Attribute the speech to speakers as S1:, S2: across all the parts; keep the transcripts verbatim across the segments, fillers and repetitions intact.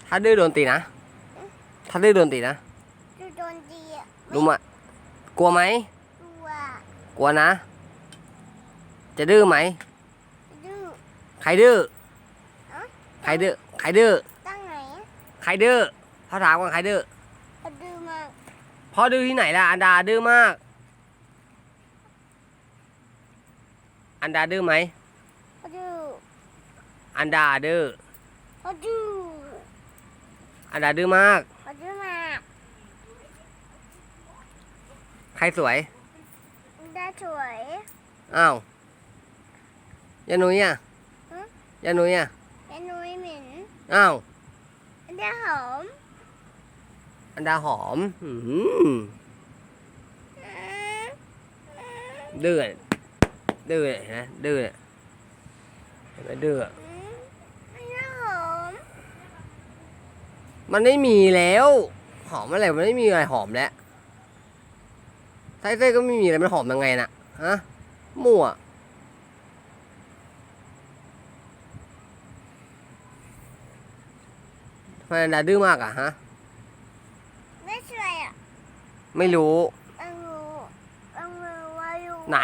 S1: ถ้าดื้อโดนตีนะถ้าดื้อโดนตีนะ
S2: ดูโดนตีอ่ะ
S1: รู้มะกลัวไหม
S2: กลัว
S1: กลัวนะจะดื้อไหม
S2: ดื้อ
S1: ใครดื้อ
S2: อะ
S1: ใครดื้อใครดื้อ
S2: ตั้งไหน
S1: ใครดื้อเขาถามว่าใครดื้อ
S2: เขาดื้อมาก
S1: พ่อดื้อที่ไหนล่ะอันดาดื้อมากอันดาดื้อไหม
S2: เขาดื้อ
S1: อันดาดื้อ
S2: เขาดื้อ
S1: อันดาดื้อมาก
S2: เขาดื้อมาก
S1: ใครสวย
S2: ได้สวย
S1: อ้าวยานุ้ยอ่ะยานุ้ยอ่ะ
S2: ยานุ้ยเหม็น
S1: อ้าว
S2: ได้หอม
S1: อันดาหอมอืมดื้อดื้อนะดื้อเห็นไหมดื้อ
S2: ได้หอม
S1: มันไม่มีแล้วหอมอะไรมันไม่มีอะไรหอมแล้วไส้เส้ก็ไม่มีอะไรมันหอมยังไงน่ะฮะมั่วทำไมอันดาดื้อมากอ่ะฮะ
S2: ไม่สวยอ่ะ
S1: ไม่รู้
S2: อังรูอังรูวายู
S1: ไหน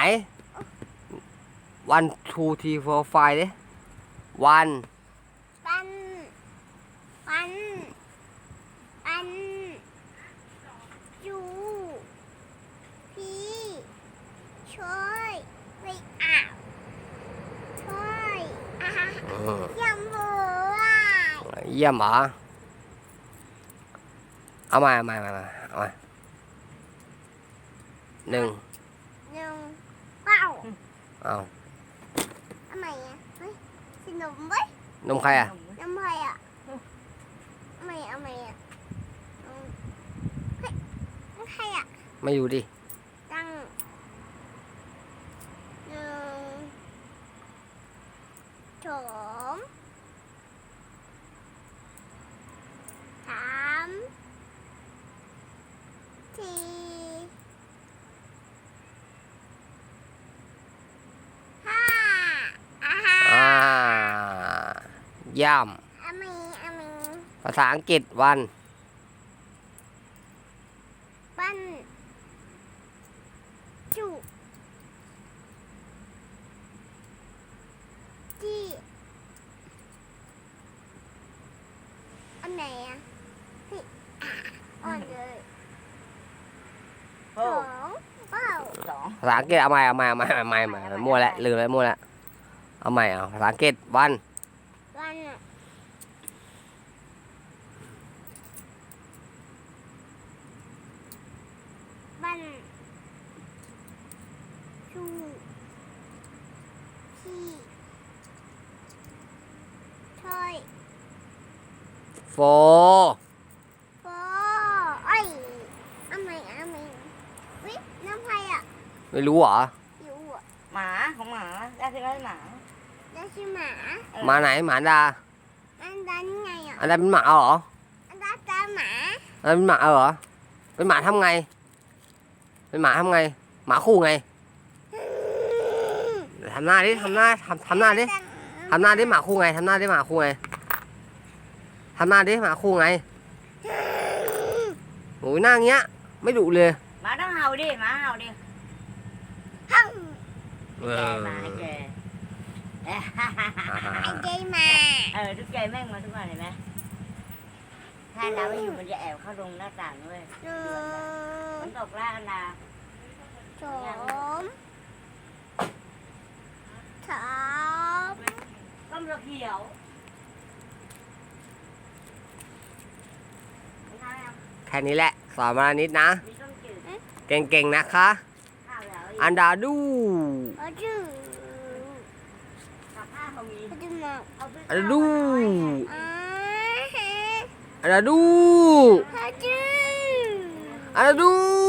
S1: one two three four five ดิ one
S2: ปันปันปันยูพีช่วยไปอาบช่วยอ่ะยำบัว
S1: เยี่ยมเหรอเอามาเอามาเอามาเอามาหนึ่ง
S2: หนึ่งเป้า
S1: เอา
S2: ทำไมอ่ะเฮ้ยขนมเว้ย
S1: นมใครอ่ะ
S2: นมใครอ่ะทำไมทำไมอ่ะเฮ้ยนมใครอ่ะ
S1: ไม่อยู่ดิ
S2: ตั้งหนึ่งสองสามสี่ห้าอ่าฮะ
S1: อ่าย่
S2: อามีอามี
S1: ำภาษาอังกฤษวัน
S2: ปั้นจุจี้อันไหนอ่ะนี่อ่อนเลยสองเป้าสอง
S1: ภาษาอังกฤษเอาใหม่เอาใหม่เอาใหม่เอาใหม่เอาใหม่มั่วแล้วลืมแล้วมั่วแล้วเอาใหม่เอาภาษาอังกฤษวัน
S2: วันอ่ะวันชูพี่ช่วย
S1: โฟ
S2: โฟไอ้อามีอามีวิน้ำไผ่อ่ะ
S1: ไม่รู้เหรอ
S2: อยู่อ่ะ
S3: หมาของหมาได้คือได้หมา
S2: ได้ชื่อหมา
S1: หมาไหนหมาดา
S2: อันนั้นไงอ่ะ
S1: อันนั้นเป็นหมาเหรอ
S2: อันนั้นตาหมา
S1: อันนั้นเป็นหมาเหรอเป็นหมาทำไงเป็นหมาทำไงหมาคู่ไงทำหน้าดิทำหน้าทำทำหน้าดิทำหน้าดิหมาคู่ไงทำหน้าดิหมาคู่ไงทำหน้าดิหมาคู่ไงโอ้ยหน้าเงี้ยไม่ดุเลย
S3: หมาต้องเห่าดิหมาเห่าดิ
S2: ฮัง
S1: เอ
S3: แก
S1: อ
S3: หมาแก
S2: ไอ้เจมา
S3: เออทุกใจแม่งมาทุกวันเห็นไหมถ้าดาวไม่อยู่มันจะแอบเข้าตรงหน้าต่างด้วย
S2: หนึ่ง
S3: มันตกล่ากันดา
S2: สองสาม
S3: ต้มเขียว
S1: แค่นี้แหละสอนมานิดนะ
S3: มีต้มจืด
S1: เก่งๆนะคะ
S3: ข้าวแล้ว
S1: อันดาดู
S2: เอาจืด
S3: กับข้าวเขามี
S2: เอาจืดมา
S3: เอาไป
S1: อันดาดู
S2: อ่าฮะ
S1: อันดาดู
S2: เอาจืด
S1: อันดาดู